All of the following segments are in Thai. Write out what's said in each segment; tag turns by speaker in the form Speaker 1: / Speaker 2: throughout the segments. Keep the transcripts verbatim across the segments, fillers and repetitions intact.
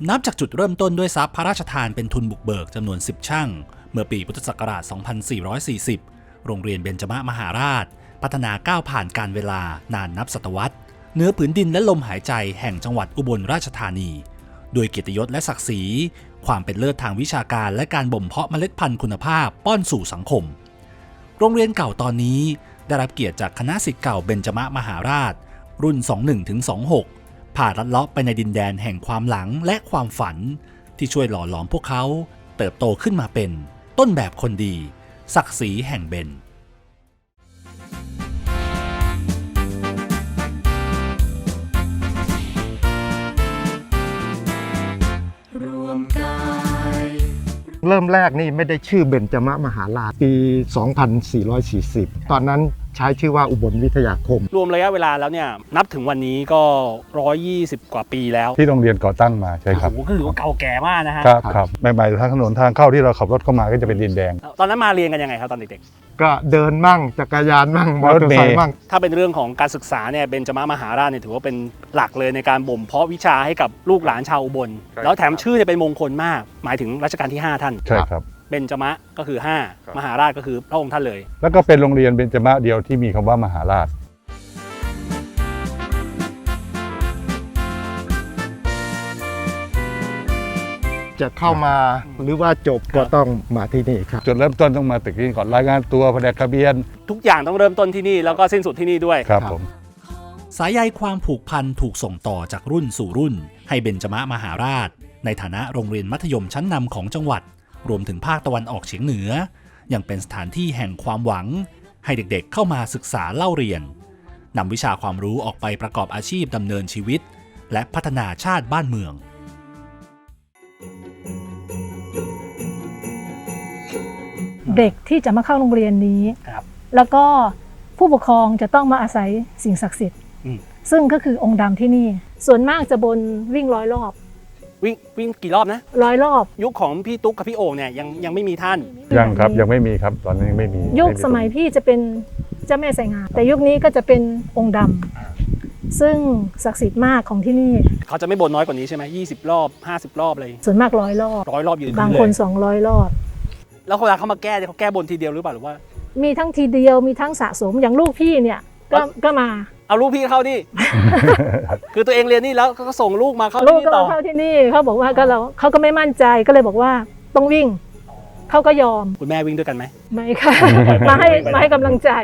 Speaker 1: นับจากจุดเริ่มต้นด้วยทรัพย์พระราชทานเป็นทุนบุกเบิกจำนวนสิบช่างเมื่อปีพุทธศักราช สองพันสี่ร้อยสี่สิบ โรงเรียนเบญจมมหาราชพัฒนาก้าวผ่านการเวลานานนับศตวรรษเหนือผืนดินและลมหายใจแห่งจังหวัดอุบลราชธานีโดยเกียรติยศและศักดิ์ศรีความเป็นเลิศทางวิชาการและการบ่มเพาะเมล็ดพันธุ์คุณภาพป้อนสู่สังคมโรงเรียนเก่าตอนนี้ได้รับเกียรติจากคณะศิษย์เก่าเบญจมมหาราชรุ่น สองสิบเอ็ดถึงสองสิบหก ผ่านลัดเลาะไปในดินแดนแห่งความหลังและความฝันที่ช่วยหล่อหลอมพวกเขาเติบโตขึ้นมาเป็นต้นแบบคนดีศักดิ์ศรีแห่งเบญ
Speaker 2: เริ่มแรกนี่ไม่ได้ชื่อเบญจมมหาราชปี สองพันสี่ร้อยสี่สิบ ตอนนั้นใช้ชื่อว่าอุบลวิทยาคม
Speaker 3: รวมระยะเวลาแล้วเนี่ยนับถึงวันนี้ก็หนึ่งร้อยยี่สิบกว่าปีแล้ว
Speaker 4: ที่โรงเรียนก่อตั้งมาใช่ครับ
Speaker 3: โอ้โหก็ถือว่าเก่าแก่มากนะฮะ
Speaker 4: ครับครับใหม่ๆทางถนนทางเข้าที่เราขับรถเข้ามาก็จะเป็นดินแดง
Speaker 3: ตอนนั้นมาเรียนกันยังไงครับตอนเด็ก
Speaker 2: ๆก็เดินมั่งจักรยานมั่งมอเตอร์ไซค์มั่ง
Speaker 3: ถ้าเป็นเรื่องของการศึกษาเนี่ยเบญจมมหาราชเนี่ยถือว่าเป็นหลักเลยในการบ่มเพาะวิชาให้กับลูกหลานชาวอุบลแล้วแถมชื่อเนี่ยเป็นมงคลมากหมายถึงรัชกาลที่ห้าท่าน
Speaker 4: ใช่ครับ
Speaker 3: เบญจมะก็คือห้ามหาราชก็คือพระองค์ท่านเลย
Speaker 4: แล้วก็เป็นโรงเรียนเบญจมะเดียวที่มีคำว่ามหาราช
Speaker 2: จะเข้ามาหรือว่าจบก็ต้องมาที่นี่ครับ
Speaker 4: จุดเริ่มต้นต้องมาตึกนี้ก่อนรายงานตัวแผนกทะเบียน
Speaker 3: ทุกอย่างต้องเริ่มต้นที่นี่แล้วก็สิ้นสุดที่นี่ด้วย
Speaker 4: ครับผม
Speaker 1: สายใยความผูกพันถูกส่งต่อจากรุ่นสู่รุ่นให้เบญจมมหาราชในฐานะโรงเรียนมัธยมชั้นนำของจังหวัดรวมถึงภาคตะวันออกเฉียงเหนือยังเป็นสถานที่แห่งความหวังให้เด็กๆเข้ามาศึกษาเล่าเรียนนำวิชาความรู้ออกไปประกอบอาชีพดำเนินชีวิตและพัฒนาชาติบ้านเมือง
Speaker 5: เด็กที่จะมาเข้าโรงเรียนนี้แล้วก็ผู้ปกครองจะต้องมาอาศัยสิ่งศักดิ์สิทธิ์ซึ่งก็คือองค์ดำที่นี่ส่วนมากจะบนวิ่งร้อยรอบ
Speaker 3: วิ่งวิ่งกี่รอบนะ
Speaker 5: ร้อยรอบ
Speaker 3: ยุคของพี่ตุ๊กกับพี่โอ่งเนี่ยยังยังไม่มีท่าน
Speaker 4: ยังครับยังไม่มีครับตอนนี้ยังไม่มี
Speaker 5: ยุคสมัยพี่จะเป็นเจ้าแม่ไสงามแต่ยุคนี้ก็จะเป็นองค์ดำซึ่งศักดิ์สิทธิ์มากของที่นี่
Speaker 3: เขาจะไม่บนน้อยกว่านี้ใช่ไหมยี่สิบรอบห้าสิบรอบเลย
Speaker 5: ส่วนมากร้อยรอบ
Speaker 3: ร้อยรอบยืน
Speaker 5: บางคนสองร้อยรอบ
Speaker 3: แล้วเวลาเขามาแก้เขาแก้บนทีเดียวหรือเปล่าหรือว่า
Speaker 5: มีทั้งทีเดียวมีทั้งสะสมอย่างลูกพี่เนี่ยก็ก็มา
Speaker 3: เอาลูกพี่เข้านี่ คือตัวเองเรียนนี่แล้วก็ส่งลูกมาเข้า
Speaker 5: ที่นี่ต่อลูกก็เข้าที่นี่เขาบอกว่าก็เราเขาก็ไม่มั่นใจก็เลยบอกว่าต้องวิ่งเขาก็ยอม
Speaker 3: คุณแม่วิ่งด้วยกันไหม
Speaker 5: ไม่ค่ะ มาให้มาให้กำลังใจ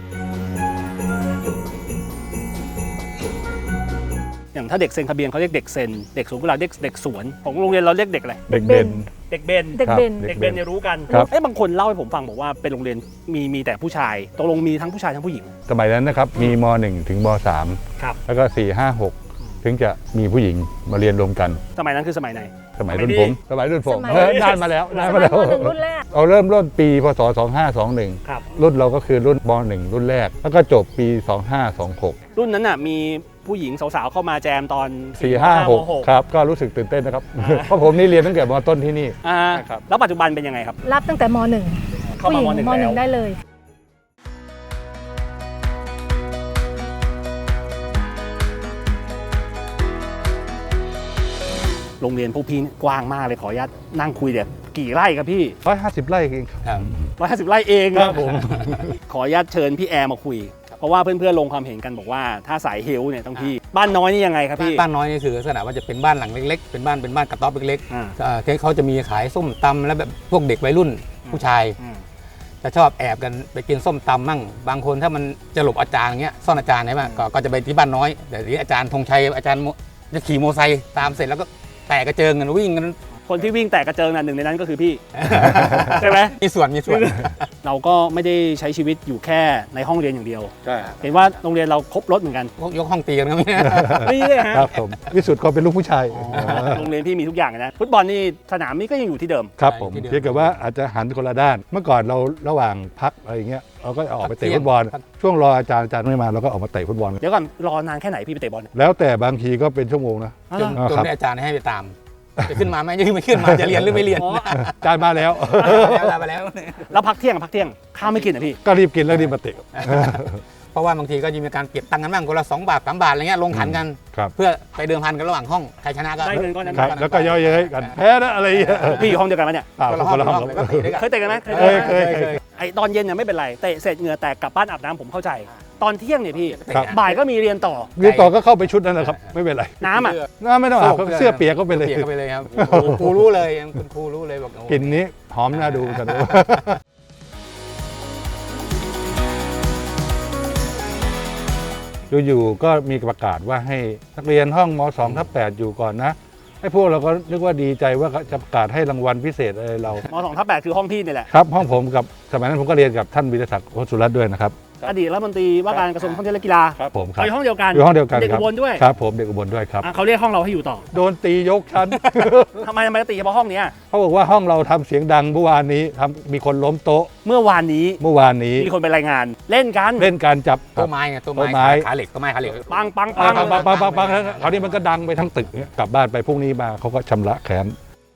Speaker 3: อย่างถ้าเด็กเซ็นทะเบียนเขาเรียกเด็กเซ็นเด็กสวนกุหลาบเด็กเด็กสวนของโรงเรียนเราเรียกเด็กอะไร
Speaker 4: เด็กเบน
Speaker 3: เด็กเบน
Speaker 5: เด็กเบน
Speaker 3: เด็กเบนเนี่ยรู้กันเอ้บางคนเล่าให้ผมฟังบอกว่าเป็นโรงเรียนมีมีแต่ผู้ชายตกลงมีทั้งผู้ชายทั้งผู้หญิง
Speaker 4: สมัยนั้นนะครับมีม.หนึ่ง ถึงม.สาม
Speaker 3: ครับ
Speaker 4: แล้วก็สี่ ห้า หกถึงจะมีผู้หญิงมาเรียนรวมกัน
Speaker 3: สมัยนั้นคือสมัยไหน
Speaker 4: สมัยรุ่นผมสมัยรุ่นผมนานมาแล้วนานมาแล้ว
Speaker 5: รุ่นแรก
Speaker 4: เราเริ่มต้นปีพศสองห้าสองหนึ่ง
Speaker 3: ครับ
Speaker 4: รุ่นเราก็คือรุ่นม.หนึ่ง รุ่นแรกแล้วก็จบปีสองห้าสองหก
Speaker 3: รุ่นนั้นน่ะมีผู้หญิงสาวๆเข้ามาแจมตอน
Speaker 4: สี่ ห้า หกครับก็รู้สึกตื่นเต้นนะครับเพราะผมนี่เรียนตั้งแต่ม.ต้นที่นี่
Speaker 3: ครับแล้วปัจจุบันเป็นยังไงครับ
Speaker 5: รับตั้งแต่ม.หนึ่งผู้หญิงม.หนึ่งได้เลย
Speaker 3: โรงเรียนพวกพี่กว้างมากเลยขออนุญาตนั่งคุยเดี๋ยวกี่ไร่ครับพี่
Speaker 4: ร้อยห้าสิบไร่เอง
Speaker 3: ครับร้อยห้าสิบไร่เองครับผมขออนุญาตเชิญพี่แอร์มาคุยเพราะว่าเพื่อนๆลงความเห็นกันบอกว่าถ้าสายเฮลเนี่ยต้องพี่บ้านน้อยนี่ยังไงครับพี่
Speaker 6: บ้านน้อยนี่คือลักษณะว่าจะเป็นบ้านหลังเล็กๆเป็นบ้านเป็นบ้านกระต๊อบเล็กๆเขาจะมีขายส้มตำแล้วแบบพวกเด็กวัยรุ่นผู้ชายจะชอบแอบกันไปกินส้มตำมั่งบางคนถ้ามันจะหลบอาจารย์เงี้ยซ่อนอาจารย์ใช่ไหมก็จะไปที่บ้านน้อยแต่ทีนี้อาจารย์ธงชัยอาจารย์จะขี่มอเตอร์ไซค์ตามเสร็จแล้วก็แตกกระเจิงกันวิ่งกัน
Speaker 3: คนที่วิ่งแตกกระเจิงน่ะหนึ่งในนั้นก็คือพี่ใช่ไหม
Speaker 6: มีส่วนมีส่วน
Speaker 3: เราก็ไม่ได้ใช้ชีวิตอยู่แค่ในห้องเรียนอย่างเดียวเห็นว่าโรงเรียนเราครบรถเหมือนกัน
Speaker 6: ยกห้องตีกันครับ
Speaker 3: นี่เลยฮะ
Speaker 4: ครับผมวิสุทธ์ก็เป็นลูกผู้ชาย
Speaker 3: โรงเรียนพี่มีทุกอย่างนะฟุตบอลนี่สนามนี้ก็ยังอยู่ที่เดิม
Speaker 4: ครับผมเพียงแต่ว่าอาจจะหันคนละด้านเมื่อก่อนเราระหว่างพักอะไรอย่างเงี้ยเราก็ออกไปเตะฟุตบอลช่วงรออาจารย์อาจารย์ไม่มาเราก็ออกมาเตะฟุตบอล
Speaker 3: เดี๋ยวก่อนรอนานแค่ไหนพี่ไปเตะบอล
Speaker 4: แล้วแต่บางทีก็เป็นชั่วโมงนะ
Speaker 6: จนจนได้อาจารย์ให้ไปตามจะขึ้นมาไหมจะไม่ขึ้นมาจะเรียนหรือไม่เรียน
Speaker 4: จานมาแล้ว
Speaker 6: มาแล้ว
Speaker 3: แล้วพักเที่ยงพักเที่ยงข้าวไม่กินอ่ะพี่
Speaker 4: ก็รีบกินแล้วรีบมาเตะ
Speaker 6: พอราะว่าบางทีก็จะมีการเก็บตังค์กันบ้างคนละสองบาทสามบาทอะไรเงี้ยลงขันกัน
Speaker 4: ครับ
Speaker 6: เพื่อไปเดิมพันกันระหว่างห้องใครชนะก็
Speaker 3: ได้เงินก้อนนั้น
Speaker 4: ครับ แล้วก็ย่อเย้ยกันแพ้นะอะไรอย่างเงี้ย
Speaker 3: พี่อยู่ห้องเดียวกันไหมเนี่ย
Speaker 4: เปล่า
Speaker 6: คนละ
Speaker 4: ค
Speaker 6: ห้อง
Speaker 4: นละห้อง
Speaker 6: แล้วก็เตะด้วยกัน
Speaker 3: เคยเตะกันไหมเคย
Speaker 4: เค
Speaker 3: เตะ
Speaker 4: ย
Speaker 3: กันไหม
Speaker 4: เคยเคย
Speaker 3: ไอตอนเย็นเนี่ยไม่เป็นไรเตะเสร็จเหงื่อแตกกลับบ้านอาบน้ำผมเข้าใจ ตอนเที่ยงเนี่ยพี่
Speaker 4: ครับ
Speaker 3: บ่ายก็มีเรียนต่อ
Speaker 4: เรียนต่อก็เข้าไปชุดนั้นนะครับไม่เป็นไร
Speaker 3: น้ำอ่ะ
Speaker 4: น้าไม่ต้องอาบครับเสื้อเปียกก็ไปเลย
Speaker 6: เปียกก็ไปเลยครับโอ้โหครูรู้เลยคุณครูรู้เลยบอกโอ้โห
Speaker 4: กลิ่นนี้หอมน่าดูกัน อยู่ๆก็มีประกาศว่าให้นักเรียนห้องม สองทับแปดอยู่ก่อนนะให้พวกเราก็นึกว่าดีใจว่าจะประกาศให้รางวัลพิเศษอะไรเรา
Speaker 3: มสองทับแปดคือห้องพี่นี่แหละ
Speaker 4: ครับห้องผมกับสมัยนั้นผมก็เรียนกับท่านวิทยาศักดิ์โคสุรัตน์ด้วยนะครับ
Speaker 3: อดีตรัฐมนตรีว่าการกระทรวงท่องเที่ยวและกีฬา
Speaker 4: ครับผมครับ
Speaker 3: อยู่ห้องเดียวกัน
Speaker 4: อยู่ห้องเดียวกัน
Speaker 3: เด็ก
Speaker 4: ครั
Speaker 3: อุบลด้วย
Speaker 4: ครับผมเด็กอุบลด้วยครับ
Speaker 3: อ่ะเขาเรียกห้องเราให้อยู่ต่อ
Speaker 4: โดนตียกชั้น
Speaker 3: ทำไมทำไมตีเฉพาะห้องเนี้ย
Speaker 4: เขาบอกว่าห้องเราทำเสียงดังเมื่อวานนี้ทำมีคนล้มโต๊ะ
Speaker 3: เมื่อวานนี้
Speaker 4: เมื่อวานนี้
Speaker 3: มีคนไปรายงาน เล่นกัน
Speaker 4: เล่นการจับ
Speaker 6: โต๊ะไม้ไงโต๊ะ
Speaker 4: โต๊ะไม้
Speaker 6: ไม้ขาเหล็กโต๊ะไม้ขาเหล็ก
Speaker 3: ปังปัง
Speaker 4: ปั
Speaker 3: ปั
Speaker 4: ง
Speaker 3: ง
Speaker 4: ปังปังปังปังปังคราวนี้มันก็ดังไปทั้งตึกเนี่ยกลับบ้านไปพรุ่งนี้มาเขาก็ชำระแค้น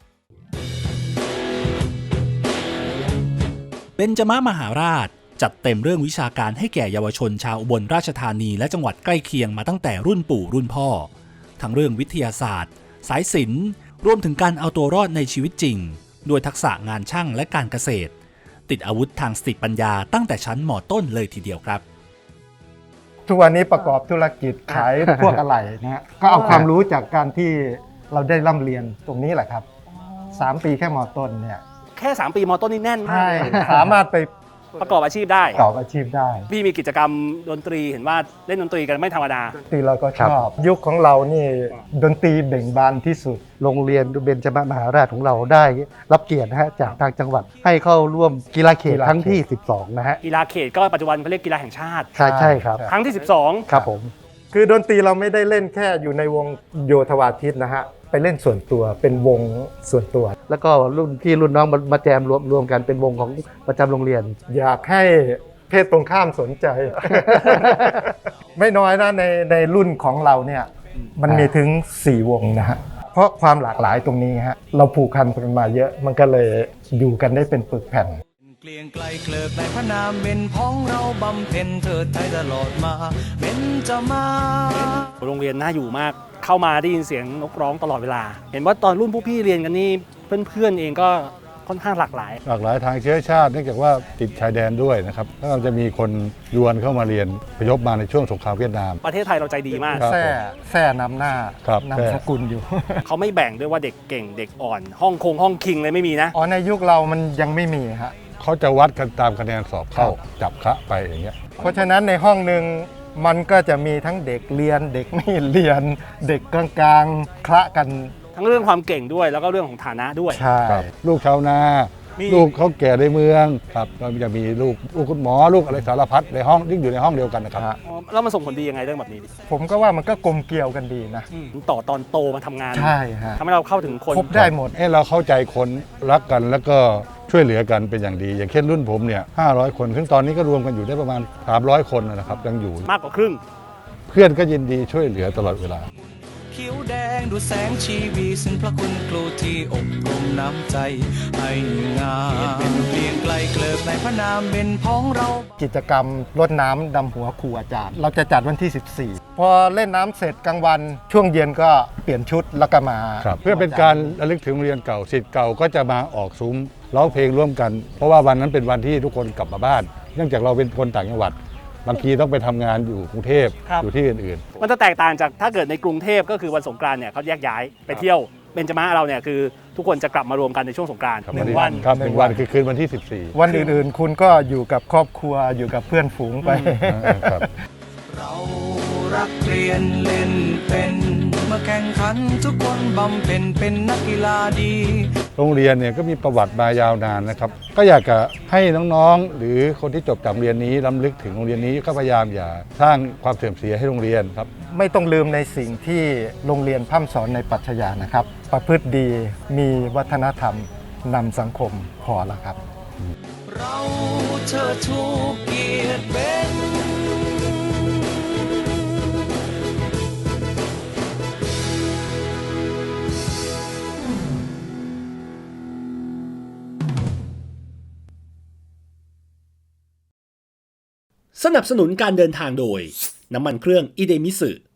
Speaker 1: เบญจมมหาราชจัดเต็มเรื่องวิชาการให้แก่เยาวชนชาวอุบลราชธานีและจังหวัดใกล้เคียงมาตั้งแต่รุ่นปู่รุ่นพ่อ ทั้งเรื่องวิทยาศาสตร์ สายศิลป์รวมถึงการเอาตัวรอดในชีวิตจริงด้วยทักษะงานช่างและการเกษตร ติดอาวุธทางสติปัญญาตั้งแต่ชั้นม.ต้นเลยทีเดียวครับ
Speaker 2: ทุกวันนี้ประกอบธุรกิจขายพวกอะไหล่นะฮะก็เอาความรู้จากการที่เราได้ร่ำเรียนตรงนี้แหละครับสามปีแค่มต้นเนี่ย
Speaker 3: แค่สามปีมต้นนี่แน่นมาก
Speaker 2: ใช่
Speaker 3: เลย
Speaker 2: สามารถไป
Speaker 3: ประกอบอาชีพได้
Speaker 2: ประกอบอาชีพได้
Speaker 3: พี่มีกิจกรรมดนตรีเห็นว่าเล่นดนตรีกันไม่ธรรมดา
Speaker 2: ดนตรีเราก็ชอบ ยุคของเรานี่ดนตรีเบ่งบานที่สุด
Speaker 7: โรงเรียนเบญจมหาราชของเราได้รับเกียรตินะฮะจากทางจังหวัดให้เข้าร่วมกีฬาเขตครั้งที่ สิบสอง นะฮะ
Speaker 3: กีฬาเขตก็ปัจจุบันเขาเรียกกีฬาแห่งชาติ
Speaker 7: ใช่ใช่ครับ
Speaker 3: ครั้งที่สิบสอง
Speaker 7: ครับผม
Speaker 2: คือดนตรีเราไม่ได้เล่นแค่อยู่ในวงโยธวาทิตนะฮะไปเล่นส่วนตัวเป็นวงส่วนตัว
Speaker 7: แล้วก็รุ่นพี่รุ่นน้องมามาแจมรวมรวมกันเป็นวงของประจำโรงเรียน
Speaker 2: อยากให้เพศตรงข้ามสนใจ ไม่น้อยนะในในรุ่นของเราเนี่ยมันมีถึงสี่วงนะฮะเพราะความหลากหลายตรงนี้ฮะเราผูกพันกันมาเยอะมันก็เลยอยู่กันได้เป็นปึกแผ่น
Speaker 8: เกลียงไกลเคลิกในพระนามเป็นพ้องเราบำเพ็ญเถิดไทยตลอดมาเป็นจะมา
Speaker 3: โรงเรียนน่าอยู่มาก เข้ามาได้ยินเสียงนกร้องตลอดเวลา เห็นว่าตอนรุ่นพวกพี่เรียนกันนี่เพื่อนๆเองก็ค่อนข้างหลากหลาย
Speaker 4: หลากหลายทางเชื้อชาติเนื่องจากว่าติดชายแดนด้วยนะครับแล้วก็จะมีคนยวนเข้ามาเรียนพยพมาในช่วงสงครามเวียดนาม
Speaker 3: ประเทศไทยเราใจดีมาก
Speaker 4: ครับ
Speaker 2: แท่แท่นำหน้า
Speaker 4: ครับ
Speaker 2: นำสกุลอยู่
Speaker 3: เขาไม่แบ่งด้วยว่าเด็กเก่งเด็กอ่อน ห้องคงห้องคิงเลยไม่มีนะ
Speaker 2: อ๋อในยุคเรามันยังไม่มีฮะ
Speaker 4: เขาจะวัดกันตามคะแนนสอบเข้าจับคะไปอย่างเงี้ย
Speaker 2: เพราะฉะนั้นในห้องหนึ่งมันก็จะมีทั้งเด็กเรียนเด็กไม่เรียน เด็กกลางๆคละกัน
Speaker 3: ทั้งเรื่องความเก่งด้วยแล้วก็เรื่องของฐานะด้วย
Speaker 2: ใช่
Speaker 4: ครับลูกชาวนา
Speaker 3: มี
Speaker 4: ลูกเขาแก่ในเมืองครับก็จะมีลูกลูกคุณหมอลูกอะไรสารพัดในห้องที่อยู่ในห้องเดียวกันนะครับ
Speaker 2: ฮะ
Speaker 3: อ๋อแล้วมันส่งผลดียังไงเรื่องแบบนี้
Speaker 2: ผมก็ว่ามันก็กลมเกลียวกันดีนะ
Speaker 3: ต่อตอนโตมาทำงาน
Speaker 2: ใช่ฮะ
Speaker 3: ทำให้เราเข้าถึงคน
Speaker 2: ครบได้หมด
Speaker 4: ให้เราเข้าใจคนรักกันแล้วก็ช่วยเหลือกันเป็นอย่างดี อย่างเช่นรุ่นผมเนี่ยห้าร้อยคนซึ่งตอนนี้ก็รวมกันอยู่ได้ประมาณสามร้อยคนนะครับยังอยู่
Speaker 3: มากกว่าครึ่ง
Speaker 4: เพื่อนก็ยินดีช่วยเหลือตลอดเวลา
Speaker 8: เขียวแดงดูแสงชีวีซึ่งพระคุณครูที่อบรมน้ำใจให้งามเป็นเกลียงไกลเคลิกในพระนามเป็นพ้องเรา
Speaker 2: กิจกรรมรดน้ำดำหัวครูอาจารย์ เราจะจัดวันที่ สิบสี่ พอเล่นน้ำเสร็จกลางวัน ช่วงเย็นก็เปลี่ยนชุดแล้วก็มา
Speaker 4: ครับเพื่อเป็นการระลึกถึงโรงเรียนเก่าศิษย์เก่าก็จะมาออกซุ้มร้องเพลงร่วมกัน เพราะว่าวันนั้นเป็นวันที่ทุกคนกลับมาบ้าน เนื่องจากเราเป็นคนต่างจังหวัดบางทีต้องไปทำงานอยู่กรุงเทพ
Speaker 3: ครับ
Speaker 4: อยู่ที่อื่น
Speaker 3: มันจะแตกต่างจากถ้าเกิดในกรุงเทพก็คือวันสงกรานต์เนี่ยเขาแยกย้ายไปเที่ยวเบญจมาเราเนี่ยคือทุกคนจะกลับมารวมกันในช่วงสงกรานต์
Speaker 4: ๆครับ
Speaker 3: หนึ่งวัน
Speaker 4: ครับหนึ่งวันคือคืนวันที่ สิบสี่
Speaker 2: วันอื่นๆ คุณก็อยู่กับครอบครัวอยู่กับเพื่อนฝูงไป
Speaker 4: ครับ
Speaker 8: เรารักเรียนเล่นเป็นเมื่อแข่งขันทุกคนบำเพ็ญเป็นนักกีฬาดี
Speaker 4: โรงเรียนเนี่ยก็มีประวัติมายาวนานนะครับก็อยากจะให้น้องๆ หรือคนที่จบจากโรงเรียนนี้ล้ำลึกถึงโรงเรียนนี้ก็พยายามอย่าสร้างความเสื่อมเสียให้โรงเรียนครับ
Speaker 2: ไม่ต้องลืมในสิ่งที่โรงเรียนพร่ำสอนในปรัชญานะครับ ประพฤติดีมีวัฒนธรรมนำสังคมพอแล้วครับ
Speaker 8: เราเชิดชูเกียรติเป็น
Speaker 1: สนับสนุนการเดินทางโดยน้ำมันเครื่องอิเดมิสึ